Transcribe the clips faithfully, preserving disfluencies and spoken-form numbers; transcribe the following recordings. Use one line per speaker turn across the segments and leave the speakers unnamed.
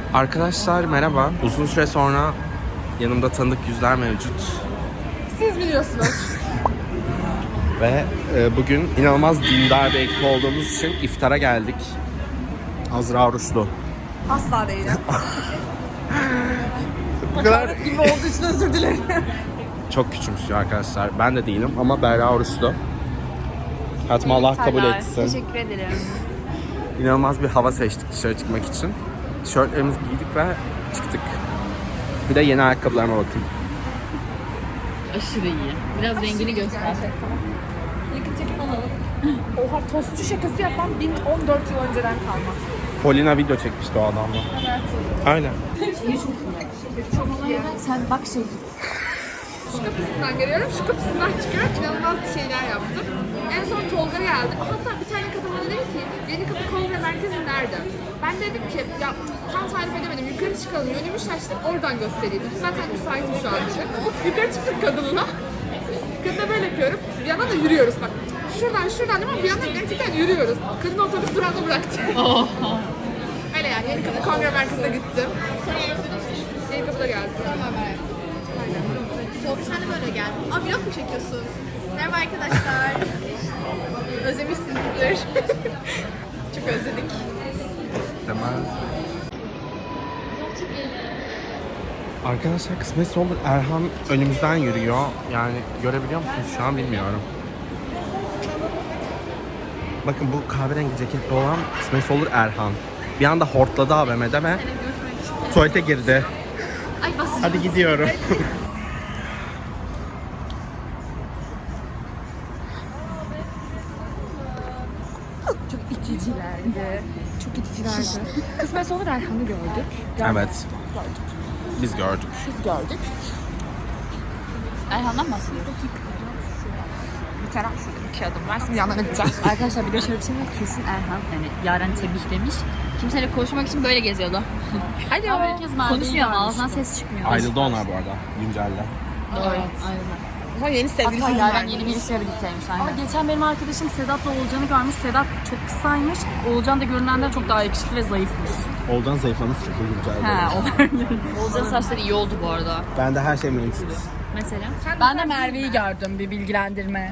Arkadaşlar merhaba. Uzun süre sonra yanımda tanıdık yüzler mevcut.
Siz biliyorsunuz.
Ve e, bugün inanılmaz dindar bir ekip olduğumuz için iftara geldik. Azra oruçlu.
Asla değilim.
Bu kadar
gibi olduğu için özür dilerim.
çok küçümsüyor arkadaşlar. Ben de değilim ama Berra oruçlu. Hayatıma Allah kabul etsin.
Teşekkür ederim.
İnanılmaz bir hava seçtik dışarı çıkmak için. Tişörtlerimizi giydik ve çıktık. Bir de yeni ayakkabılarıma bakın.
Aşırı iyi. Biraz rengini göster.
Yakın çekim alalım. Oha, tostçu şakası yapan bin on dört yıl önceden kalma.
Polina video çekmişti o adamla.
Evet.
Aynen.
Sen bak şey.
Şu kapısından geliyorum, şu kapısından çıkıyorum. İnanılmaz şeyler yaptım. En son Tolga geldi. Hatta bir tane kadın bana dedi ki, Yeni Kapı Kongre Merkezi nerede? Ben dedim ki, ya tam tarif edemedim. Yukarı çıkalım, yönümü şaştım, oradan göstereyim. Zaten müsaitim şu an için. Yukarı çıktık kadınla. Kadına böyle yapıyorum. Bir yandan da yürüyoruz bak. Şuradan şuradan değil mi? Bir yandan gerçekten yürüyoruz. Kadın otobüs durağında bıraktı. Öyle yani, Yeni Kapı Kongre Merkezi'ne gittim. Yeni Kapı'da geldim.
Çok sen de böyle gel. Aa, vlog mu çekiyorsun? Merhaba arkadaşlar. Özlemişsinizdir. Çok özledik.
Tamam. Arkadaşlar kısmetse olur Erhan önümüzden yürüyor. Yani görebiliyor musunuz şu an bilmiyorum. Bakın bu kahverengi ceketli olan kısmetse olur Erhan. Bir anda hortladı A V M'de ve tuvalete girdi.
Ay basın.
Hadi gidiyorum.
Çok iticilerdi. Çok iticilerdi. Kısmet olur Erhan'ı gördük.
Evet. Biz gördük.
Biz gördük.
Erhan'dan bahsediyoruz.
Bir taraf şurada iki adım var. Şimdi yanlarına gideceğim.
Arkadaşlar bir de şöyle bir şey var. Kesin Erhan yani Yaren tebihlemiş. Kimseyle konuşmak için böyle geziyordu.
Hadi
Ama herkes konuşmuyor ama ağzından ses çıkmıyor.
Ayrıldı onlar bu arada. Güncelde.
Evet. Aynen.
Ama yeni sevgilisi
Hatta
var.
Yaren yeni birisiyle birlikteymiş
Ama
aynen.
geçen benim arkadaşım Sedat'la Oğulcan'ı görmüş. Sedat çok kısaymış. Oğulcan da görünenden çok daha yakışıklı ve zayıfmış.
Oldan zayıflamış çünkü güncelde.
He, o
Oğuzcan'ın saçları iyi oldu bu arada.
Ben de her şey mevcut.
Mesela.
Ben de Merve'yi gördüm, bir bilgilendirme.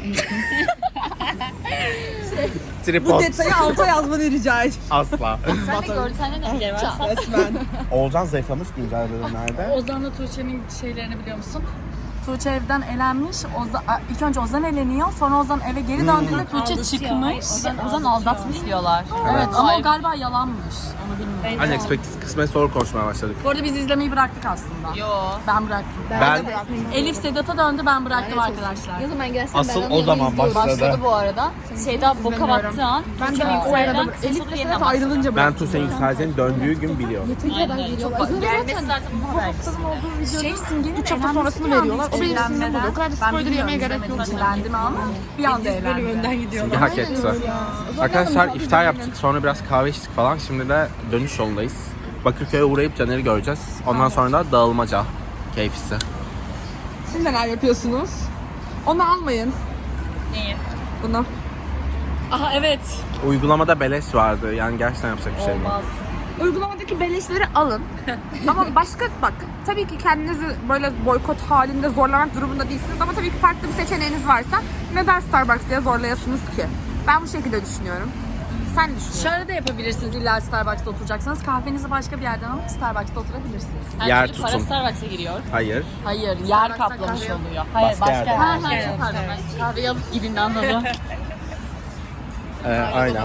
Tripod.
Detayı alta yazmanı rica ediyorum.
Asla.
Sen de gördün. Sende ne bilgileri var?
Resmen.
Olcan zayıflamış güncel bölümlerde.
Ozan'la Tuğçe'nin şeylerini biliyor musun? Tuğçe evden elenmiş. Ozan, ilk önce Ozan eleniyor. Sonra Ozan eve geri döndüğünde Tuğçe çıkmış.
Ozan, Ozan aldatmış diyorlar.
Evet ama
Ay,
o galiba yalanmış. Onu bilmiyorum.
Unexpected kısmet soru konuşmaya başladık.
Bu arada biz izlemeyi bıraktık aslında.
Yo.
Ben bıraktım.
Ben
Elif Sedat'a döndü, ben bıraktım arkadaşlar.
Ne zaman gelsen
asıl o zaman başladı.
Başladı bu arada. Şeyda boka battığı an.
Ben de
Tuğçe
o arada
Yüksel'den ses
Elif
olur
ve
yeniden
Sedat
başladı.
ayrılınca
Ben Tuğçe'nin yükseleceğini döndüğü gün biliyorum.
Aynen. Çok bak. Gelmesi zaten bunun habercisi.
Şey Simge'nin
üç hafta sonrasını veriyorlar. O benim sinirim oluyor. O kadar da spoiler yemeye gerek yok.
Eğlendim ama bir anda eğlendim.
Simge hak etti. Arkadaşlar iftar yaptık. Sonra biraz kahve içtik falan. Şimdi de dönüş yolundayız. Bakırköy'e uğrayıp Caner'i göreceğiz. Ondan sonra da dağılmaca keyfisi.
Siz neler yapıyorsunuz? Onu almayın.
Neyi?
Bunu.
Aha evet.
Uygulamada beleş vardı. Yani gerçekten yapacak bir şey yok.
Olmaz.
Uygulamadaki beleşleri alın. Ama başka bak, tabii ki kendinizi böyle boykot halinde zorlamak durumunda değilsiniz ama tabii ki farklı bir seçeneğiniz varsa neden Starbucks diye zorlayasınız ki? Ben bu şekilde düşünüyorum. Sen ne düşünüyorsun?
Şöyle de yapabilirsiniz, illa Starbucks'ta oturacaksanız kahvenizi başka bir yerden alıp Starbucks'ta oturabilirsiniz.
Her
Yer
türlü para
tutun.
Starbucks'a giriyor.
Hayır.
Hayır, yer kaplamış oluyor. Hayır,
Başka
başka,
yerden.
yer.
Ha ha çok pardon. Ben kahveyi alıp gidin anladım.
Ee, aynen.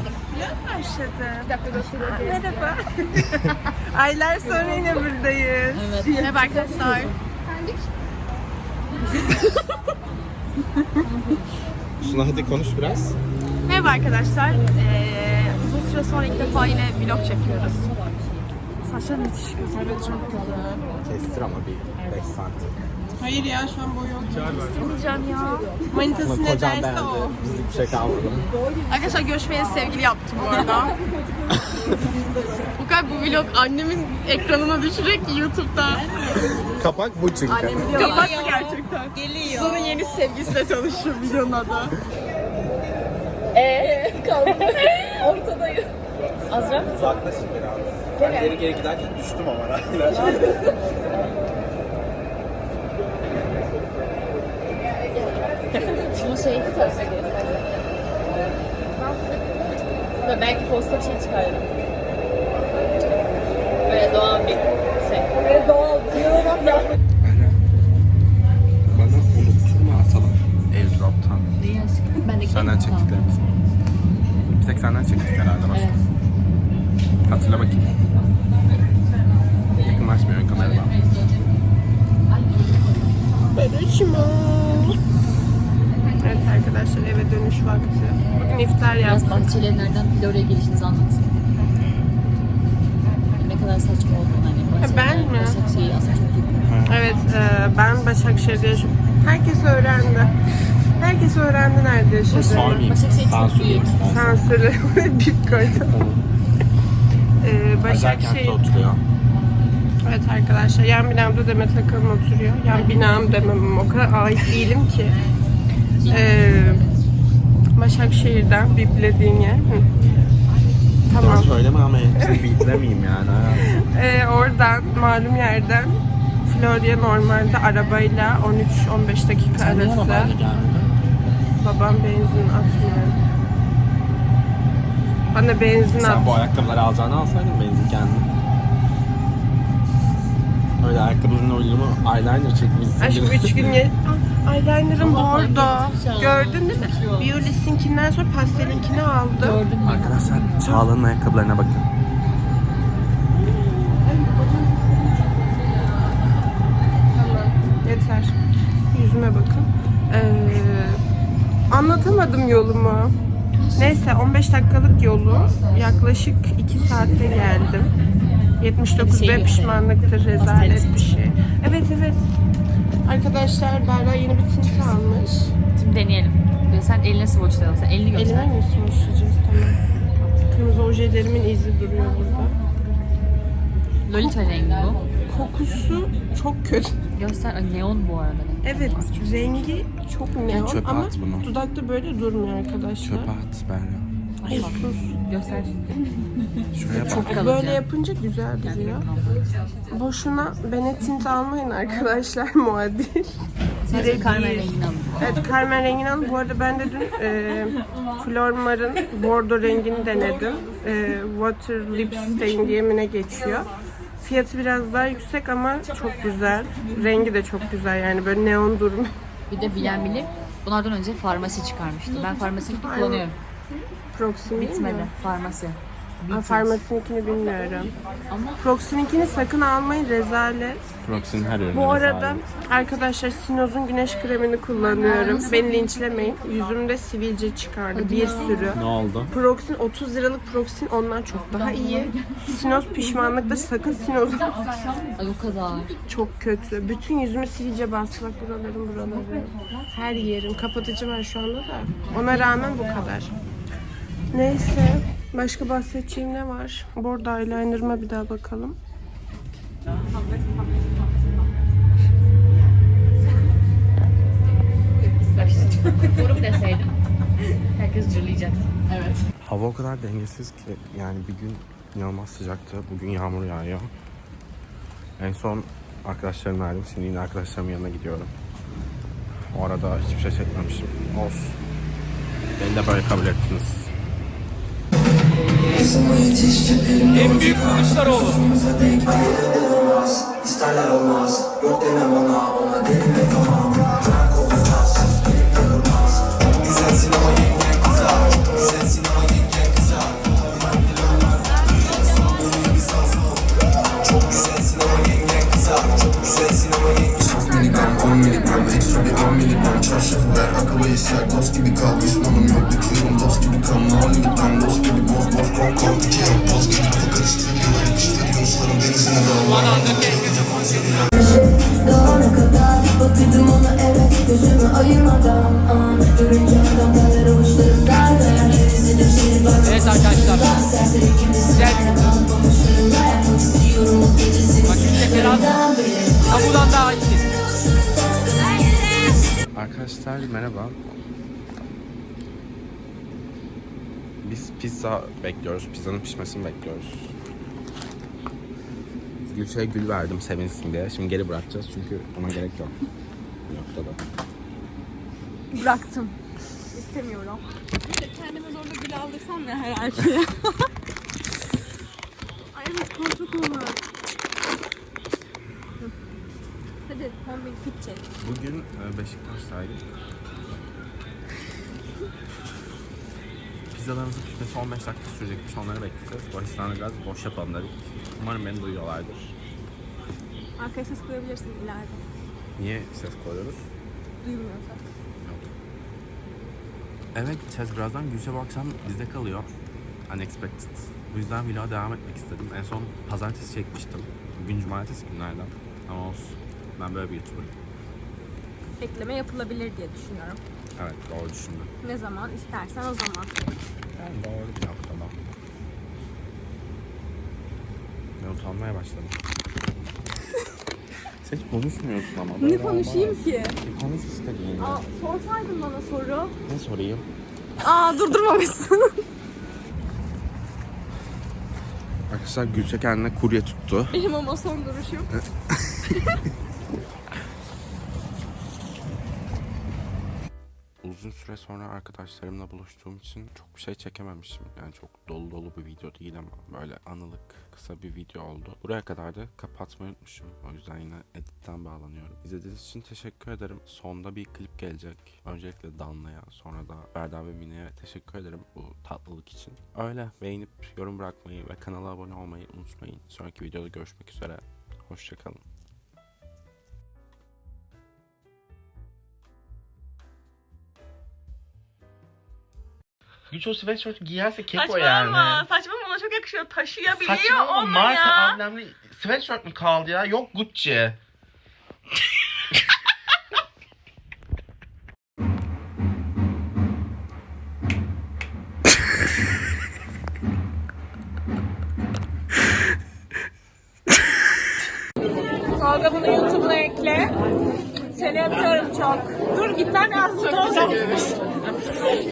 Merhaba. Aylar sonra yine buradayız.
Evet.
Merhaba arkadaşlar.
Suna hadi konuş biraz.
Merhaba arkadaşlar. Ee, uzun süre sonra ilk defa yine vlog çekiyoruz. Saçlar müthiş güzel. Evet çok güzel.
Kestir ama bir beş santim.
Hayır ya şu an boy yok.
Olacağım ya.
Manitası ne
Kocam
derse
beğendi.
o.
Bizlik bir şey kalmadı.
Arkadaşlar görüşmeye sevgili yaptım bu arada. Bu kadar bu vlog annemin ekranına düşecek ki YouTube'da.
Kapak bu çünkü.
Kapat mı gerçekten? Geliyor. Sonra yeni sevgilisiyle tanışıyor videonun adı.
Eee kaldı. Ortadayım. Azra?
Uzaklaşın biraz. Ben geri geri giderken düştüm ama raylar.
Şunu şey ve belki posta bir şey çıkarırım. Böyle doğal bir şey. Böyle doğal bir
Bana, bana unutturma atalım airdrop'tan.
Neyi aşkım? Ben de
Senden çektiklerimiz. Bir tek senden çektik herhalde başka.
Evet.
Hatırla bakayım. Yakınlaşmıyor kameradan.
Evet arkadaşlar eve dönüş vakti. Bugün iftar
Biraz
yaptık.
bahçeleri nereden Florya'ya gelişinizi anlatın. Ne kadar saçma olduğunu hani.
Ha, ben mi?
Başakşehir aslında çok yakın.
Evet e, ben Başakşehir'de yaşıyorum. Herkes öğrendi. Herkes öğrendi nerede yaşadığını.
Sormayayım.
Başakşehir çok
Sansür
büyük.
istersen.
Sansürü bip koydum. Ee,
Özel kentte
Başakşehir.
oturuyor.
Evet arkadaşlar yan binamda Demet Akalın oturuyor. Yan binam demem o kadar ait değilim ki. Ee, Başakşehir'den biplediğin yer. Hı.
Tamam.
Tamam.
Söyleme ama hepsini bildiremeyeyim yani.
Ee, oradan malum yerden Florya normalde arabayla on üç on beş dakika
Sen niye
arası.
arabayla gelmedin?
Babam benzin atmıyor. Bana benzin at.
Sen bu ayakkabıları alacağını alsaydın benzin kendin. Öyle ayakkabının uyumu eyeliner çekmişsin.
Aşkım üç gün ye... Ah, eyeliner'ım
Ama fark
bordo.
etmiş ya.
Gördün değil mi? Biolis'inkinden sonra pastelinkini aldım.
Gördün mü?
Arkadaşlar Çağla'nın ayakkabılarına bakın.
Tamam. Yeter. Yüzüme bakın. Ee, anlatamadım yolumu. Neyse on beş dakikalık yolu yaklaşık iki saatte geldim. yetmiş dokuz
Şey
B
göster.
pişmanlıktır, rezalet bir şey. Evet evet. Arkadaşlar Berra yeni bir tint almış.
Şimdi deneyelim. Ve sen eline swatchlayalım. Sen elini göster.
Elime mi sürüşeceğiz? Tamam. Kırmızı ojelerimin izi duruyor burada.
Lolita rengi bu.
Kokusu çok kötü.
Göster. Ay, neon bu arada.
Evet, rengi çok neon
Çöpe
ama
at bunu.
dudakta böyle durmuyor arkadaşlar.
Çöpe at Berra.
Ay sus.
Göster.
Şuraya bak.
Çok kalıcı.
Böyle yapınca güzel duruyor. Boşuna bene tint almayın arkadaşlar, muadil.
Sadece Carmen rengini alın.
Evet, Carmen rengini alın. Bu arada ben de dün e, Flormar'ın bordo rengini denedim. E, Water Lip Stain diye mi ne geçiyor. Fiyatı biraz daha yüksek ama çok güzel. Rengi de çok güzel yani böyle neon durum.
Bir de bilen bilir. Bunlardan önce farmasi çıkarmıştı. Ben farmasini kullanıyorum.
Proximity
Bitmedi.
mi?
Farmasi.
Aa, farmasininkini bilmiyorum.
Ama
Proxim'inkini sakın almayın, rezalet.
Proxy'nin her ürünü.
Bu arada
rezalet.
arkadaşlar Sinoz'un güneş kremini kullanıyorum. Beni linçlemeyin. Yüzümde sivilce çıkardı bir sürü.
Ne oldu?
Proxin otuz liralık Proxin ondan çok daha iyi. Sinoz pişmanlıkta sakın Sinoz
ay o kadar.
çok kötü. Bütün yüzümü sivilce bastı bak buralarım buraları. Her yerim. Kapatıcı var şu anda da. Ona rağmen bu kadar. Neyse. Başka bahsedeceğim ne var? Bordo eyeliner'ıma bir daha bakalım.
Yorum deseydim. Herkes cırlayacaktı. Evet.
Hava o kadar dengesiz ki yani bir gün inanılmaz sıcaktı. Bugün yağmur yağıyor. En son arkadaşlarımla ayrıldım. Şimdi yine arkadaşlarımın yanına gidiyorum. O arada hiçbir şey çekmemişim. Olsun. Beni de böyle kabul ettiniz.
En büyük Kılıçdaroğlu.
İsterler olmaz, yok deme bana, ona delimek tamam. Bırak olmaz, olmaz. Güzelsin ama yengen kızar, güzelsin ama yengen kızar. Sandığın gibi sansın. Çok güzelsin ama yengen kızar, çok güzelsin ama yengen kızar. Çok miligram, on miligram, ekstra bir on miligram. Çarşaflar, akıllı işler, dost gibi kal. Düşmanım yok, bitiyorum dost gibi kal. No limitten, dost gibi boz boz kol kol. Bitiyorum boz gibi kal, karıştırıyorum. Yapıştırıyorum, Yunusların denizine dal.
Daha ne kadar bakıyordum ona evet gözümü ayırmadan an görünce adam derler avuçlarım derler gerisi düşeri bak.
Evet arkadaşlar. Güzel bir gün. Bak işte biraz kabudan daha iyi.
Arkadaşlar merhaba. Biz pizza bekliyoruz. Pizzanın pişmesini bekliyoruz. Gülşah'a gül verdim sevinsin diye. Şimdi geri bırakacağız çünkü ona gerek yok. Bu noktada.
Bıraktım. İstemiyorum. Kendime zorla gül aldırsam ya her erkeğe. Ay evet koltuk olmaz. Hadi kombin fit çek.
Bugün e, Beşiktaş'taydık. Pizzalarımızın pişmesi on beş dakika sürecekmiş. Onları bekleyeceğiz. Baristan'da biraz boş yapalım dedik. Umarım beni duyuyorlardır.
Arkaya ses koyabilirsin ileride.
Niye ses koyuyoruz?
Duymuyorsa.
Eve gideceğiz birazdan. Gülşah bu akşam bizde kalıyor. Unexpected. Bu yüzden vloga devam etmek istedim. En son pazartesi çekmiştim. Bugün cumartesi günlerden. Ama olsun. Ben böyle bir YouTuber'ım.
Ekleme yapılabilir diye düşünüyorum.
Evet, doğru düşündüm.
Ne zaman istersen o zaman.
Yani doğru bir noktada. Ben utanmaya başladım. Sen hiç konuşmuyorsun ama.
Ne konuşayım ki?
E, konuş istediğini.
Aa, sorsaydın bana soru.
Ne sorayım?
Aa durdurmamışsın.
Arkadaşlar Gülşah kendine kurye tuttu.
Benim ama son duruşum.
Uzun süre sonra arkadaşlarımla buluştuğum için çok bir şey çekememişim. Yani çok dolu dolu bir video değil ama böyle anılık kısa bir video oldu. Buraya kadar da kapatmayı unutmuşum. O yüzden yine editten bağlanıyorum. İzlediğiniz için teşekkür ederim. Sonda bir klip gelecek. Öncelikle Danla'ya, sonra da Berda ve Mine'ye teşekkür ederim bu tatlılık için. Öyle beğenip yorum bırakmayı ve kanala abone olmayı unutmayın. Sonraki videoda görüşmek üzere. Hoşçakalın. Güç o sweatshirt giyerse keko yani.
Saçmalama. Saçmalama ona çok yakışıyor. Taşıyabiliyor
Saçmalama,
onu
marka
ya.
amblemli sweatshirt mi kaldı ya? Yok Gucci.
Tolga bunu YouTube'una ekle. Seni öpüyorum çok. Dur git lan az.